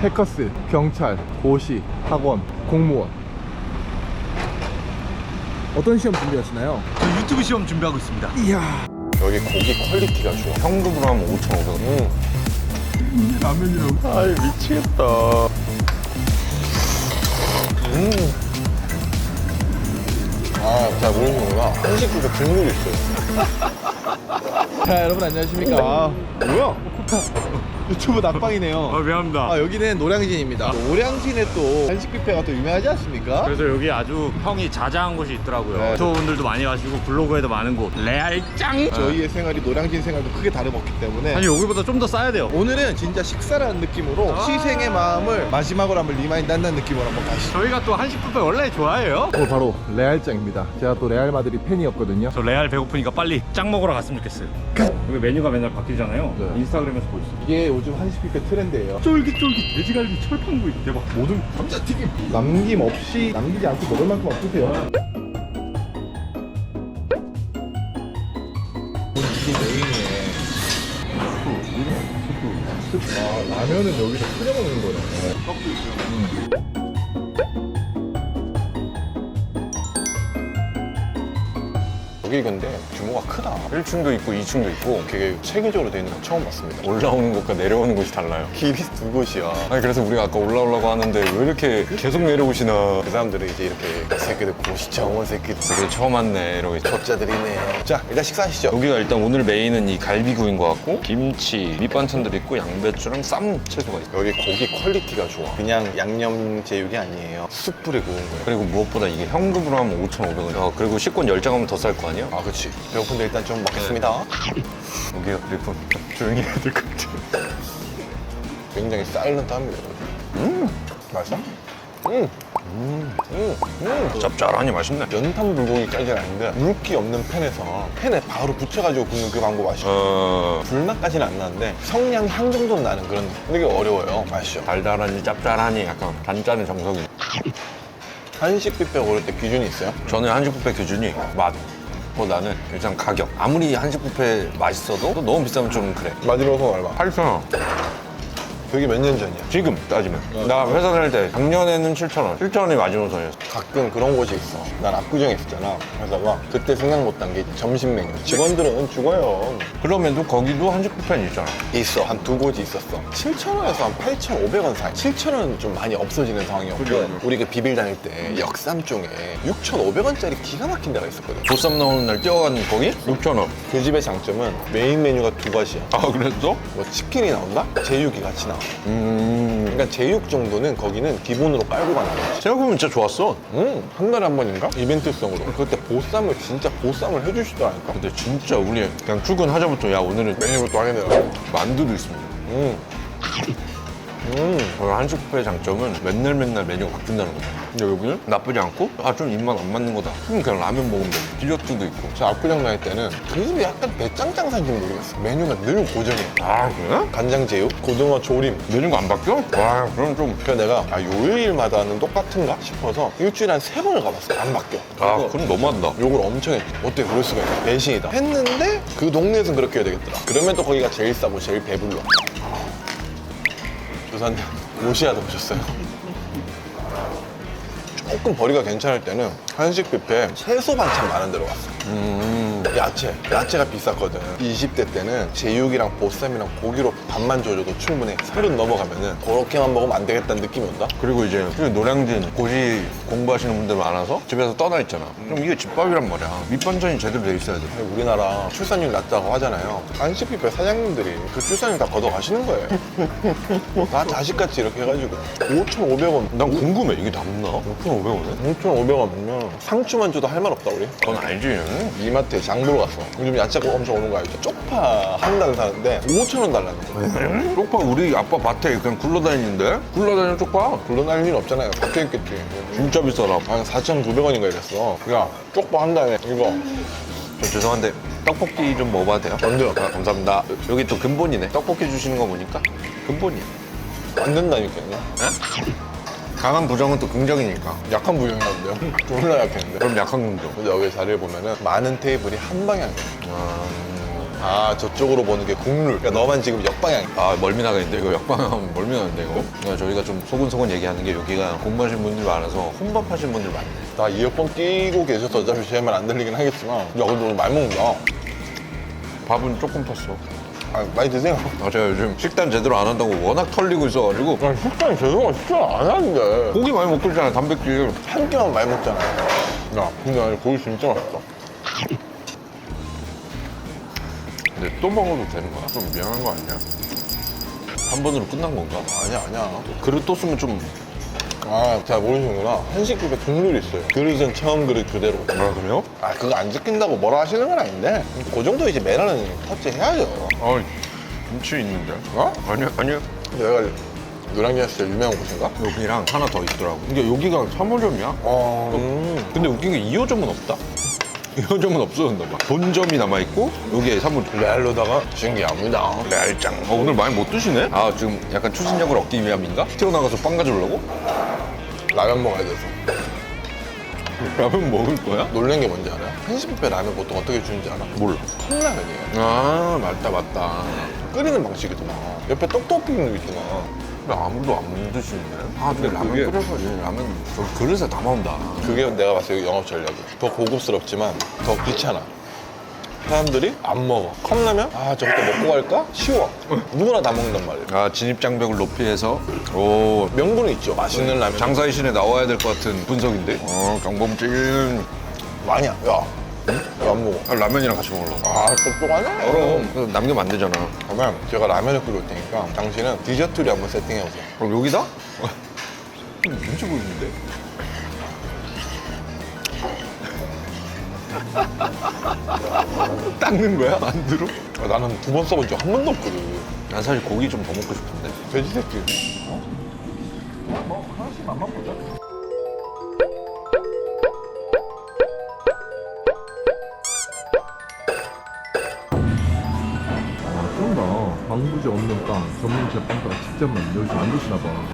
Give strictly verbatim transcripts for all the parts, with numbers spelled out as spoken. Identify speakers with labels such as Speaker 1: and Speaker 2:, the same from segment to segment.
Speaker 1: 해커스, 경찰, 고시, 학원, 공무원. 어떤 시험 준비하시나요?
Speaker 2: 저 유튜브 시험 준비하고 있습니다.
Speaker 1: 이야.
Speaker 3: 여기 고기 퀄리티가 좋아. 현금으로 하면 오천오백 원. 음.
Speaker 1: 라면이라고.
Speaker 3: 아이 미치겠다. 음. 아, 잘 모르시는구나. 한식집에 국물이 있어요.
Speaker 1: 자, 여러분 안녕하십니까. 아, 뭐야? 유튜브 낙방이네요.
Speaker 2: 아, 미안합니다.
Speaker 1: 아, 여기는 노량진입니다. 노량진에 또 한식 뷔페가 또 유명하지 않습니까?
Speaker 2: 그래서 여기 아주 평이 자자한 곳이 있더라고요.
Speaker 1: 네.
Speaker 2: 유튜버분들도 많이 가시고 블로그에도 많은 곳. 레알짱.
Speaker 1: 저희의 생활이 노량진 생활도 크게 다름없기 때문에
Speaker 2: 아니 여기보다 좀 더 싸야 돼요.
Speaker 1: 오늘은 진짜 식사라는 느낌으로
Speaker 2: 아
Speaker 1: 시생의 마음을 마지막으로 한번 리마인드 한다는 느낌으로 한번 가시죠.
Speaker 2: 저희가 또 한식 뷔페 원래 좋아해요.
Speaker 1: 오늘 바로 레알짱입니다. 제가 또 레알 마드리 팬이었거든요.
Speaker 2: 저 레알 배고프니까 빨리 짱 먹으러 갔으면 좋겠어요. 여기 메뉴가 맨날 바뀌잖아요.
Speaker 1: 네.
Speaker 2: 인스타그램에서 볼 수 있어요.
Speaker 1: 이게 요즘 한식 뷔페 트렌드예요.
Speaker 2: 쫄깃쫄깃 돼지갈비 철판구이 대박. 모든
Speaker 1: 감자튀김 남김없이 남기지 않고 먹을 만큼 없으세요. 이게 메인이네. 스프, 스프, 스프. 아, 라면은 여기서 끓여 먹는 거네. 떡도 있어요. 음.
Speaker 3: 여기 근데 규모가 크다. 일 층도 있고 이 층도 있고 되게 체계적으로 돼 있는 건 처음 봤습니다. 올라오는 곳과 내려오는 곳이 달라요. 길이 두 곳이야. 아니 그래서 우리가 아까 올라오려고 하는데 왜 이렇게 계속 내려오시나. 그 사람들은 이제 이렇게 이 새끼들 고시청원 새끼들 되게 처음 왔네 이러고 족자들이네. 자 일단 식사하시죠. 여기가 일단 오늘 메인은 이 갈비구이인 것 같고 김치, 밑반찬들 있고 양배추랑 쌈 채소가 있어. 여기 고기 퀄리티가 좋아. 그냥 양념 제육이 아니에요. 쑥 뿌려 구운 거예요. 그리고 무엇보다 이게 현금으로 하면 오천오백 원. 어, 그리고 식권 열 장 하면 더 쌀 거 아니야? 아 그치. 배고픈데 일단 좀 먹겠습니다. 여기가 그리고 조용히 해야 될 것 같아. 굉장히 사일런트합니다. 음 맛있어? 음. 음, 음, 음. 짭짤하니 맛있네. 연탄 불고기까지는 아닌데 물기 없는 팬에서 팬에 바로 붙여가지고 굽는 그 방법 아시죠? 어... 불맛까지는 안 나는데 성냥 향 정도는 나는 그런 느낌. 되게 어려워요. 맛있죠? 달달하니 짭짤하니 약간 단짠의 정석이. 한식 뷔페 고를 때 기준이 있어요? 저는 한식 뷔페 기준이 맛 보다는 일단 가격. 아무리 한식 뷔페 맛있어도 또 너무 비싸면 좀 그래. 마지막은 얼마? 팔천 원. 그게 몇 년 전이야? 지금 따지면. 나 회사 다닐 때 작년에는 칠천 원. 칠천 원이 마지노선이었어. 가끔 그런 곳이 있어. 난 압구정에 있었잖아. 회사가. 그때 생각 못한 게 점심 메뉴. 직원들은 죽어요. 그러면도 거기도 한식 뷔페는 있잖아. 있어. 한 두 곳이 있었어. 칠천 원에서 한 팔천오백 원 사이. 칠천 원은 좀 많이 없어지는 상황이었고 그래. 우리 그 비빌 다닐 때 역삼 쪽에 육천오백 원짜리 기가 막힌 데가 있었거든. 보쌈 나오는 날 뛰어간 거기? 육천 원. 그 집의 장점은 메인 메뉴가 두 가지야. 아 그랬어? 뭐 치킨이 나온다? 제육이 같이 나와. 음. 그러니까 제육 정도는 거기는 기본으로 깔고 가는 거지. 생각해보면 진짜 좋았어. 음. 한 달에 한 번인가? 이벤트성으로. 그때 보쌈을 진짜 보쌈을 해주시더라니까. 근데 진짜 우리 그냥 출근하자부터 야 오늘은 메뉴부터 하겠네요. 만두도 있습니다. 음. 음. 한식 뷔페의 장점은 맨날 맨날 메뉴가 바뀐다는 거죠. 근데 여기는 나쁘지 않고 아 좀 입맛 안 맞는 거다. 그럼 그냥 라면 먹으면 돼. 디저트도 있고. 저 압구정 다닐 때는 그 집이 약간 배짱짱산지 모르겠어. 메뉴가 늘 고정이야. 아 그래? 간장제육, 고등어 조림. 메뉴가 안 바뀌어? 와 그럼 좀. 그래서 내가 아 요일마다는 똑같은가 싶어서 일주일에 한 세 번을 가봤어. 안 바뀌어. 아 그럼 너무한다. 욕을 엄청 했지. 어떻게 그럴 수가 있어. 배신이다. 했는데 그 동네에서는 그렇게 해야 되겠더라. 그러면 또 거기가 제일 싸고 제일 배불러. 조사님 로시아도 보셨어요? 조금 벌이가 괜찮을 때는 한식 뷔페 채소 반찬 많은 데로 갔어. 음, 야채, 야채가 비쌌거든. 이십 대 때는 제육이랑 보쌈이랑 고기로 밥만 줘줘도 충분해. 서른 넘어가면은 그렇게만 먹으면 안 되겠다는 느낌이 온다. 그리고 이제 노량진 고시 공부하시는 분들 많아서 집에서 떠나 있잖아. 그럼 이게 집밥이란 말이야. 밑반찬이 제대로 돼 있어야 돼. 아니, 우리나라 출산율 낮다고 하잖아요. 한식 뷔페 사장님들이 그 출산율 다 걷어가시는 거예요. 다 자식같이 이렇게 해가지고 오천오백 원. 난 궁금해. 이게 남나? 오천오백 원에? 오천오백 원이면 상추만 줘도 할 말 없다 우리. 그건 알지. 이마트에 장 보러 갔어. 요즘 야채가 엄청 오는 거 알죠? 쪽파 한 단 사는데 오천 원 달라는 거야. 쪽파 우리 아빠 밭에 그냥 굴러다니는데? 굴러다니는 쪽파? 굴러다닐 일 없잖아요. 박혀 있겠지. 진짜 비싸다. 한 사천구백 원인가 이랬어. 야 쪽파 한 단에 이거. 저 죄송한데 떡볶이 좀 먹어봐도 돼요? 안 돼요. 아, 감사합니다. 여기 또 근본이네. 떡볶이 주시는 거 보니까 근본이야. 안 된다니까요. 에? 강한 부정은 또 긍정이니까. 약한 부정이라는데요? 졸라 약했는데. 그럼 약한 긍정. 근데 여기 자리를 보면은 많은 테이블이 한 방향이에요. 아... 아 저쪽으로 보는 게 국룰. 그러니까 너만 지금 역방향.
Speaker 4: 아 멀미 나가는데 이거 역방하면 멀미 나는데 이거. 그러니까 저희가 좀 소곤소곤 얘기하는 게 여기가 공부하신 분들이 많아서 혼밥하신 분들 많네.
Speaker 3: 나 이어폰 끼고 계셔서 어차피 제 말 안 들리긴 하겠지만 야 근데 오늘 많이 먹는다.
Speaker 4: 밥은 조금 텄어.
Speaker 3: 아, 많이 드세요.
Speaker 4: 아 제가 요즘 식단 제대로 안 한다고 워낙 털리고 있어가지고
Speaker 3: 야 식단이 제대로 식단 안 하는데
Speaker 4: 고기 많이 먹고 있잖아 단백질.
Speaker 3: 한 끼만 많이 먹잖아. 야 근데 아니 고기 진짜 맛있다.
Speaker 4: 근데 또 먹어도 되는 거야? 좀 미안한 거 아니야? 한 번으로 끝난 건가?
Speaker 3: 아니야 아니야.
Speaker 4: 그릇 또 쓰면 좀...
Speaker 3: 아, 잘 모르시는구나. 한식집에 국룰이 있어요. 그릇은 처음 그릇 그대로.
Speaker 4: 아 그래요?
Speaker 3: 아, 그거 안 지킨다고 뭐라 하시는 건 아닌데 그 정도 이제 매너는 터치해야죠.
Speaker 4: 아 김치 있는데?
Speaker 3: 어?
Speaker 4: 아니야 아니야.
Speaker 3: 내가 노량진에서 제일 유명한 곳인가?
Speaker 4: 여기랑 하나 더 있더라고. 그러니까 여기가 삼 호점이야.
Speaker 3: 어... 음.
Speaker 4: 근데 웃긴 게 이 호점은 없다. 이 호점은 없어졌나 봐. 본점이 남아있고 여기에 삼 호점.
Speaker 3: 레알로다가 신기합니다.
Speaker 4: 레알짱. 어, 오늘 많이 못 드시네? 아 지금 약간 추진력을 얻기 위함인가? 튀어나가서 빵 가져오려고?
Speaker 3: 라면 먹어야 돼서.
Speaker 4: 라면 먹을 거야?
Speaker 3: 놀란 게 뭔지 알아요? 한식 뷔페 라면 보통 어떻게 주는지 알아?
Speaker 4: 몰라.
Speaker 3: 컵라면이에요.
Speaker 4: 아 맞다 맞다.
Speaker 3: 끓이는 방식이더만. 옆에 떡 토핑도 있더만.
Speaker 4: 근데 아무도 안 드시네. 아 근데
Speaker 3: 근데
Speaker 4: 라면
Speaker 3: 그게-
Speaker 4: 끓여서 라면 저 그릇에 담아온다.
Speaker 3: 그게 내가 봤을 때 영업 전략이. 더 고급스럽지만 더 귀찮아. 사람들이 안 먹어. 컵라면? 아 저것도 먹고 갈까? 쉬워. 누구나 다 먹는단 말이야.
Speaker 4: 아 진입 장벽을 높이 해서 오
Speaker 3: 명분은 있죠. 맛있는 라면.
Speaker 4: 장사의 신에 나와야 될 것 같은 분석인데. 어 강범진.
Speaker 3: 아니야. 야. 왜 안 먹어?
Speaker 4: 아, 라면이랑 같이 먹으려고.
Speaker 3: 아 똑똑하네.
Speaker 4: 그럼 남기면 안 되잖아.
Speaker 3: 그러면 제가 라면을 끓일 테니까 당신은 디저트를 한번 세팅해보세요.
Speaker 4: 그럼 여기다? 눈치 보이는데? 닦는 거야? 안 들어?
Speaker 3: 아, 나는 두 번 써본 적 한 번도 없거든.
Speaker 4: 난 사실 고기 좀 더 먹고 싶은데.
Speaker 3: 돼지 새끼.
Speaker 1: 그런다. 방부제 없는 빵, 전문 제빵가가 직접 만든 여기서 만드시나 봐.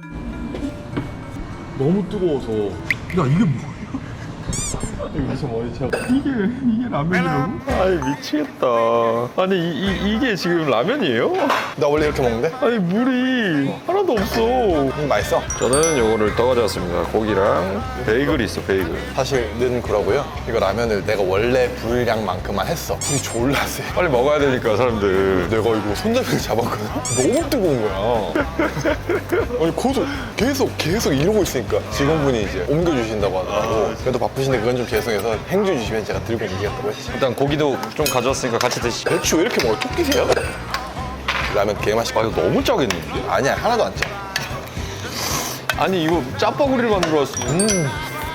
Speaker 1: 너무 뜨거워서. 야 이게 뭐야? 여기서 뭐지? 이게 이게 라면이라고?
Speaker 4: 아이 미치겠다. 아니 이, 이, 이게 지금 라면이에요?
Speaker 3: 나 원래 이렇게 먹는데?
Speaker 4: 아니 물이 하나도 없어.
Speaker 3: 음, 맛있어.
Speaker 4: 저는 요거를 더 가져왔습니다. 고기랑 베이글이 있어 베이글.
Speaker 3: 사실은 그러고요. 이거 라면을 내가 원래 분량만큼만 했어. 불이 졸라 세.
Speaker 4: 빨리 먹어야 되니까 사람들.
Speaker 3: 내가 이거 손잡이를 잡았거든? 너무 뜨거운 거야. 아니, 계속, 계속, 계속 이러고 있으니까 직원분이 이제 옮겨주신다고 하더라고. 그래도 바쁘신데 그건 좀 죄송해서 행주 주시면 제가 들고 이기겠다고 했지.
Speaker 4: 일단 고기도 좀 가져왔으니까 같이 드시죠.
Speaker 3: 배추 왜 이렇게 먹어? 토끼세요? 라면 개맛있고.
Speaker 4: 아 이거 너무 짜겠는데?
Speaker 3: 아니야, 하나도 안 짜.
Speaker 4: 아니 이거 짜파구리를 만들어 왔어.
Speaker 3: 음.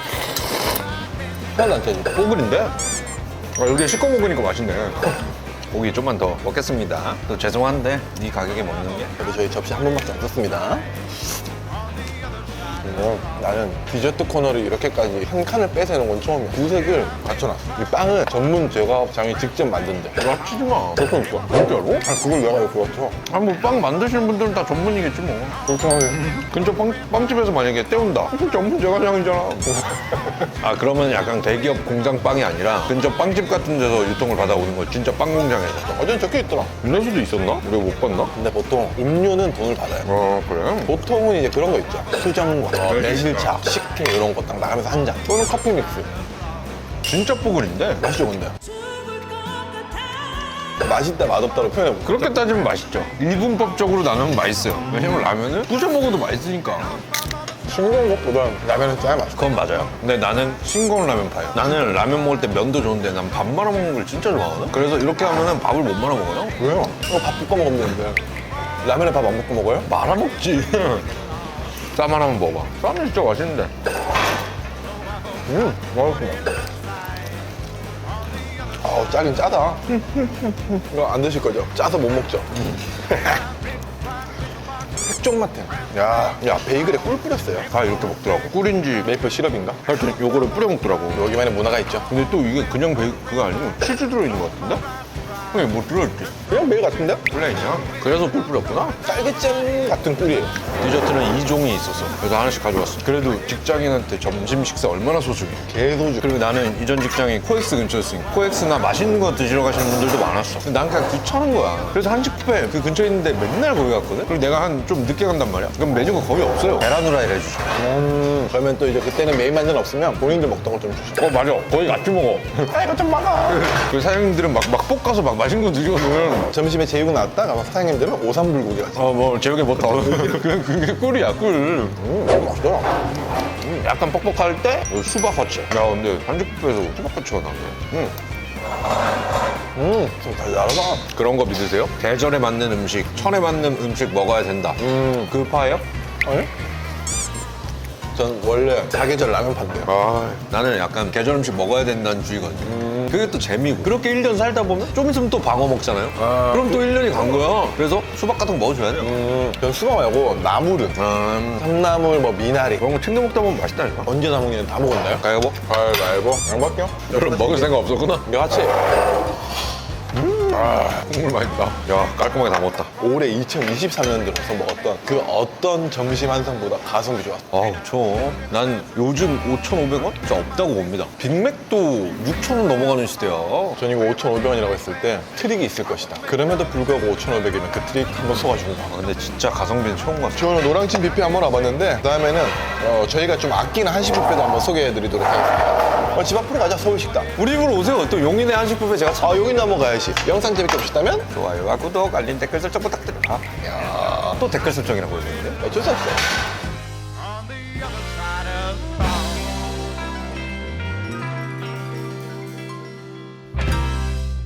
Speaker 3: 하나도 안 짜지.
Speaker 4: 뽀글인데? 아, 여기 씻고 먹으니까 맛있네. 고기 좀만 더 먹겠습니다. 또 죄송한데 이 가격에 먹는 게.
Speaker 3: 그래도 저희 접시 한 번밖에 안 썼습니다. 음, 나는 디저트 코너를 이렇게까지 한 칸을 빼세는 건 처음이야. 구색을 갖춰놨어. 이 빵은 전문 제과업장이 직접 만든대.
Speaker 4: 맞추지 마.
Speaker 3: 그러니까. 진짜로? 아, 그걸 내가 왜 그렇죠?
Speaker 4: 아니 뭐 빵 만드시는 분들은 다 전문이겠지 뭐.
Speaker 3: 그렇게 하면.
Speaker 4: 근처 빵, 빵집에서 만약에 때운다. 그럼 전문 제과장이잖아. 아 그러면 약간 대기업 공장 빵이 아니라 근처 빵집 같은 데서 유통을 받아오는 거 진짜 빵 공장에서.
Speaker 3: 어제는 적혀 있더라.
Speaker 4: 이럴 수도 있었나? 우리가 못 봤나?
Speaker 3: 근데 보통 음료는 돈을 받아요.
Speaker 4: 아 그래?
Speaker 3: 보통은 이제 그런 거 있죠. 수정과,
Speaker 4: 네,
Speaker 3: 매실차, 식혜 이런 거 딱 나가면서 한 잔. 또는 커피 믹스.
Speaker 4: 진짜 뽀글인데?
Speaker 3: 맛있죠, 근데? 맛있다, 맛없다로 표현해볼게.
Speaker 4: 그렇게 따지면 맛있죠. 일분법적으로 나누면 맛있어요. 왜냐면 라면은 부셔 먹어도 맛있으니까.
Speaker 3: 싱거운 것보다 라면은 짜야 맛있어.
Speaker 4: 그건 맞아요. 근데 나는 싱거운 라면 파요. 나는 라면 먹을 때 면도 좋은데 난 밥 말아 먹는 걸 진짜 좋아하거든. 그래서 이렇게 하면은 밥을 못 말아 먹어요.
Speaker 3: 왜요? 이거 밥 볶아 먹으면 되는데. 라면에 밥 안 볶아 먹어요?
Speaker 4: 말아 먹지. 쌈 하나만 먹어봐. 쌈은 진짜 맛있는데.
Speaker 3: 음, 맛있습니다. 아우, 짜긴 짜다. 이거 안 드실 거죠? 짜서 못 먹죠? 핵종 맛해. 야, 야, 베이글에 꿀 뿌렸어요.
Speaker 4: 다 이렇게 먹더라고. 꿀인지
Speaker 3: 메이플 시럽인가?
Speaker 4: 하여튼 요거를 뿌려 먹더라고.
Speaker 3: 여기만의 문화가 있죠.
Speaker 4: 근데 또 이게 그냥 베이 그거 아니고 치즈 들어있는 것 같은데?
Speaker 3: 형이 뭐 들어있지?
Speaker 4: 그냥 매일 같은데?
Speaker 3: 플레인이야? 그래서 꿀 뿌렸구나?
Speaker 4: 딸기잼 같은 꿀이에요.
Speaker 3: 디저트는 이 종이 있었어. 그래서 하나씩 가져왔어. 그래도 직장인한테 점심 식사 얼마나 소중해.
Speaker 4: 개소주.
Speaker 3: 그리고 나는 이전 직장이 코엑스 근처였으니까 코엑스나 맛있는 거 드시러 가시는 분들도 많았어. 근데 난 그냥 귀찮은 거야. 그래서 한식 뷔페 그 근처에 있는데 맨날 거기 갔거든? 그리고 내가 한 좀 늦게 간단 말이야. 그럼 메뉴가 거의 없어요. 계란 후라이를 해주셔.
Speaker 4: 음, 그러면 또 이제 그때는 메인 만두는 없으면 본인들 먹던 걸 좀 주시죠.
Speaker 3: 어 맞아. 거의 같이 먹어.
Speaker 4: 아, 이거 좀 막아.
Speaker 3: 그 사장님들은 막, 막 볶아서 막 맛있는 거 드시거든.
Speaker 4: 점심에 제육 나왔다? 아마 사장님들은 오삼불고기 하지.
Speaker 3: 어 뭐 제육에 뭐 더. 그냥 그게 꿀이야 꿀.
Speaker 4: 음, 이거 맛있더라.
Speaker 3: 음, 약간 뻑뻑할 때 수박 화채. 야 근데 한식 뷔페에서 수박 화채가 나네.
Speaker 4: 음. 음, 좀 달달하다.
Speaker 3: 그런 거 믿으세요? 계절에 맞는 음식, 천에 맞는 음식 먹어야 된다.
Speaker 4: 음,
Speaker 3: 그 파예요?
Speaker 4: 아니? 전 원래 사계절 라면 판대요.
Speaker 3: 아, 나는 약간 계절 음식 먹어야 된다는 주의거든요. 그게 또 재미고. 그렇게 일 년 살다 보면 좀 있으면 또 방어 먹잖아요. 그럼 또 일 년이 간 거야. 그래서 수박 같은 거 먹어줘야 돼요.
Speaker 4: 음, 전 수박 말고 나물은.
Speaker 3: 음,
Speaker 4: 삼나물, 뭐 미나리.
Speaker 3: 그런 거 챙겨 먹다 보면 맛있다니까.
Speaker 4: 언제 다 먹냐면 다 먹었나요?
Speaker 3: 가위바위보?
Speaker 4: 가위바위보. 양밖에요?
Speaker 3: 여러분 먹을 생각 없었구나?
Speaker 4: 이거 같이.
Speaker 3: 아, 국물 맛있다. 야, 깔끔하게 다 먹었다.
Speaker 4: 올해 이천이십삼 년도에 먹었던 그 어떤 점심 한상보다 가성비 좋았어.
Speaker 3: 아우, 저, 난 요즘 오천오백 원? 진짜 없다고 봅니다. 빅맥도 육천 원 넘어가는 시대야.
Speaker 4: 전 이거 오천오백 원이라고 했을 때 트릭이 있을 것이다. 그럼에도 불구하고 오천오백이면 그 트릭 한번 쏘아주는 거야.
Speaker 3: 아, 근데 진짜 가성비는 처음 같아.
Speaker 4: 저는 노량진 뷔페 한번 와봤는데 그다음에는 어, 저희가 좀 아끼는 한식 뷔페도 한번 소개해드리도록 하겠습니다. 어, 집 앞으로 가자, 서울식당.
Speaker 3: 우리 집으로 오세요. 또 용인의 한식 뷔페 제가 참
Speaker 4: 아, 여기 넘어가야지. 영상 재밌게 보셨다면
Speaker 3: 좋아요와 구독, 알림, 댓글 설정 부탁드립니다. 야, 또 댓글 설정이라고 해주는데?
Speaker 4: 어쩔 수 없어.